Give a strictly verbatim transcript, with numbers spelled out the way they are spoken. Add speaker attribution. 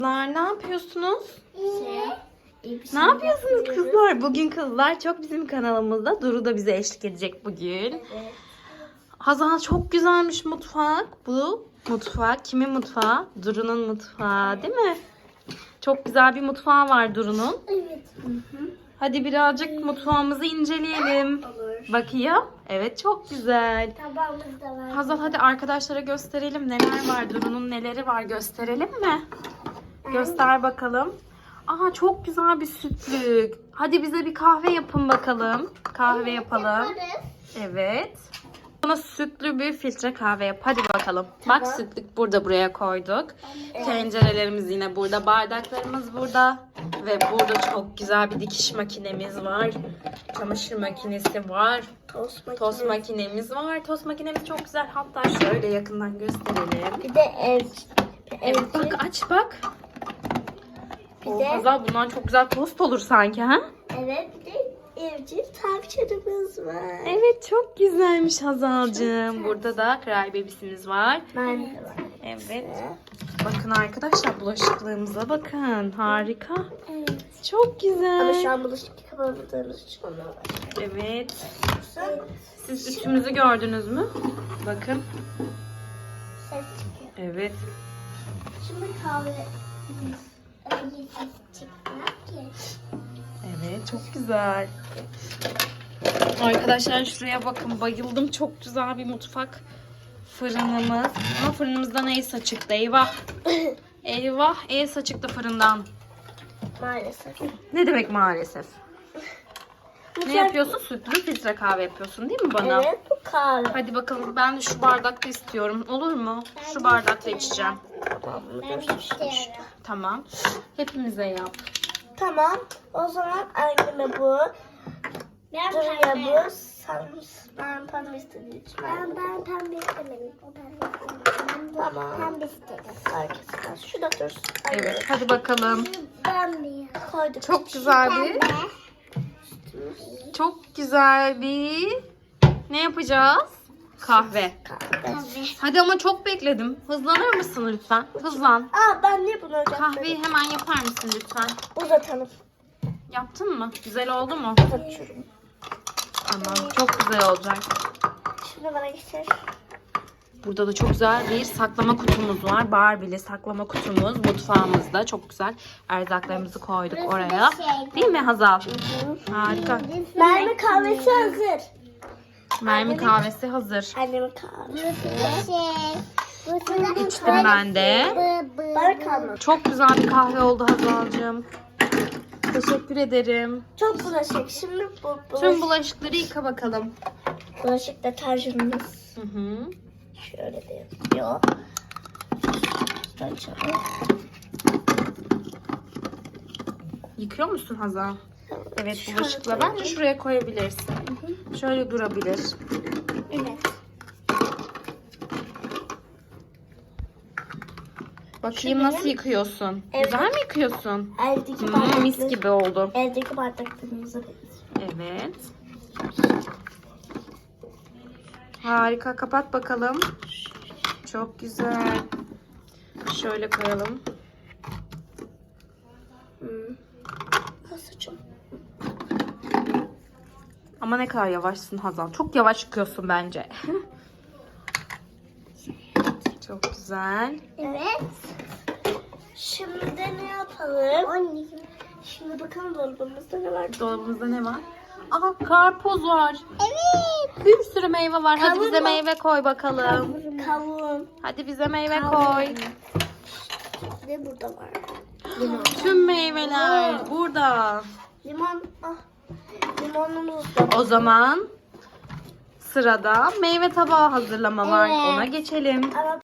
Speaker 1: Kızlar ne yapıyorsunuz?
Speaker 2: Şey,
Speaker 1: Ne yapıyorsunuz kızlar? Bugün kızlar çok bizim kanalımızda. Duru da bize eşlik edecek bugün.
Speaker 2: Evet.
Speaker 1: Hazal çok güzelmiş mutfak. Bu mutfak kimin mutfağı? Duru'nun mutfağı değil mi? Çok güzel bir mutfağı var Duru'nun.
Speaker 2: Evet.
Speaker 1: Hadi birazcık mutfağımızı inceleyelim.
Speaker 2: Olur.
Speaker 1: Bakayım. Evet çok güzel.
Speaker 2: Tabağımız da var.
Speaker 1: Hazal hadi arkadaşlara gösterelim neler var. Duru'nun neleri var gösterelim mi? Göster bakalım. Aa çok güzel bir sütlük. Hadi bize bir kahve yapın bakalım. Kahve yapalım.
Speaker 2: Yaparız.
Speaker 1: Evet. Bana sütlü bir filtre kahve yap. Hadi bakalım. Bak sütlük burada buraya koyduk. Tencerelerimiz yine burada. Bardaklarımız burada. Ve burada çok güzel bir dikiş makinemiz var. Çamaşır makinesi var.
Speaker 2: Tost makinesi.
Speaker 1: Tost makinemiz var. Tost makinemiz çok güzel. Hatta şöyle yakından gösterelim.
Speaker 2: Bir de ev.
Speaker 1: Evet bak aç bak.
Speaker 2: Bir
Speaker 1: Oo,
Speaker 2: de
Speaker 1: Hazal bundan çok güzel tost olur sanki ha?
Speaker 2: evet bir de evcil tavşanımız var.
Speaker 1: Evet çok güzelmiş Hazal'cığım. Burada da kral bebisimiz var.
Speaker 2: Ben de var.
Speaker 1: Evet. Bakın arkadaşlar bulaşıklığımıza bakın. Harika.
Speaker 2: Evet.
Speaker 1: Çok
Speaker 2: Ama
Speaker 1: güzel.
Speaker 2: şu an bulaşık yıkamadığımız için onlar var.
Speaker 1: Evet.
Speaker 2: Evet.
Speaker 1: Siz ütümüzü gördünüz mü? Bakın.
Speaker 2: Ses çıkıyor.
Speaker 1: Evet.
Speaker 2: Şimdi kahve. Öyle ses çıkmıyor ki.
Speaker 1: Evet çok güzel. Arkadaşlar şuraya bakın bayıldım. Çok güzel bir mutfak fırınımız. Ama fırınımızdan el çıktı. Eyvah. Eyvah el çıktı fırından.
Speaker 2: Maalesef.
Speaker 1: Ne demek maalesef? Ne
Speaker 2: Mutfak-
Speaker 1: yapıyorsun? Sütlü filtre kahve yapıyorsun değil mi bana?
Speaker 2: Evet bu kahve.
Speaker 1: Hadi bakalım ben de şu bardakta istiyorum. Olur mu? Şu bardakta içeceğim.
Speaker 2: Tamam bunu göstereyim.
Speaker 1: Tamam. Hepimize yap.
Speaker 2: Tamam. O zaman anneme bu. Duruya bu. Sen, ben pembe istediğim için. Ben, ben pembe istemedim. O pembe istemedim. Tamam. Pembe istedim. Herkes şu da dursun.
Speaker 1: Evet hadi bakalım.
Speaker 2: Pembe. Koyduk.
Speaker 1: Çok güzel bir çok güzel bir ne yapacağız? Kahve.
Speaker 2: Kahve.
Speaker 1: Hadi ama çok bekledim. Hızlanır mısın lütfen? Hızlan.
Speaker 2: Aa ben niye bunu hocam?
Speaker 1: Kahveyi hemen yapar mısın lütfen?
Speaker 2: Uzatalım.
Speaker 1: Yaptın mı? Güzel oldu mu?
Speaker 2: Uzatıyorum.
Speaker 1: Tamam. Çok güzel olacak.
Speaker 2: Şimdi bana getir.
Speaker 1: Burada da çok güzel bir saklama kutumuz var. Barbie'li saklama kutumuz mutfağımızda. Çok güzel. Erzaklarımızı koyduk oraya. Değil mi Hazal? Harika.
Speaker 2: Mermi kahvesi hazır.
Speaker 1: Mermi kahvesi hazır.
Speaker 2: Annemin kahvesi.
Speaker 1: İçtim ben de.
Speaker 2: Bana kalmadı.
Speaker 1: Çok güzel bir kahve oldu Hazal'cığım. Teşekkür ederim.
Speaker 2: Çok bulaşık. Şimdi bu
Speaker 1: Tüm
Speaker 2: bulaşık,
Speaker 1: bulaşıkları yıka bakalım.
Speaker 2: bulaşık deterjanımız.
Speaker 1: Hı hı.
Speaker 2: Şöyle de yapıyor. Açalım.
Speaker 1: Yıkıyor musun Hazal? Evet bulaşıkla bence şuraya koyabilirsin. Şöyle durabilir.
Speaker 2: Evet.
Speaker 1: Bakayım nasıl yıkıyorsun?
Speaker 2: Evet.
Speaker 1: Güzel mi yıkıyorsun?
Speaker 2: Eldeki
Speaker 1: Hmm,
Speaker 2: bardakları.
Speaker 1: mis gibi oldu.
Speaker 2: Eldeki bardaklarımıza benziyor.
Speaker 1: Evet. Harika. Kapat bakalım. Çok güzel. Şöyle koyalım.
Speaker 2: Hmm. Saçım.
Speaker 1: Ama ne kadar yavaşsın Hazal. Çok yavaş yıkıyorsun bence. Çok güzel.
Speaker 2: Evet. Şimdi de ne yapalım? Şimdi bakalım dolabımızda ne var?
Speaker 1: Dolabımızda ne var? Aha karpuz var.
Speaker 2: Evet.
Speaker 1: Bir sürü meyve var. Hadi
Speaker 2: Kavun
Speaker 1: bize
Speaker 2: mu?
Speaker 1: meyve koy bakalım.
Speaker 2: Kavun.
Speaker 1: Hadi bize meyve koy.
Speaker 2: Ne burada var? Limon.
Speaker 1: Tüm meyveler burada.
Speaker 2: Limon. Ah. Limonumuz da.
Speaker 1: O zaman sırada meyve tabağı hazırlama var.
Speaker 2: Evet.
Speaker 1: Ona geçelim.
Speaker 2: Ama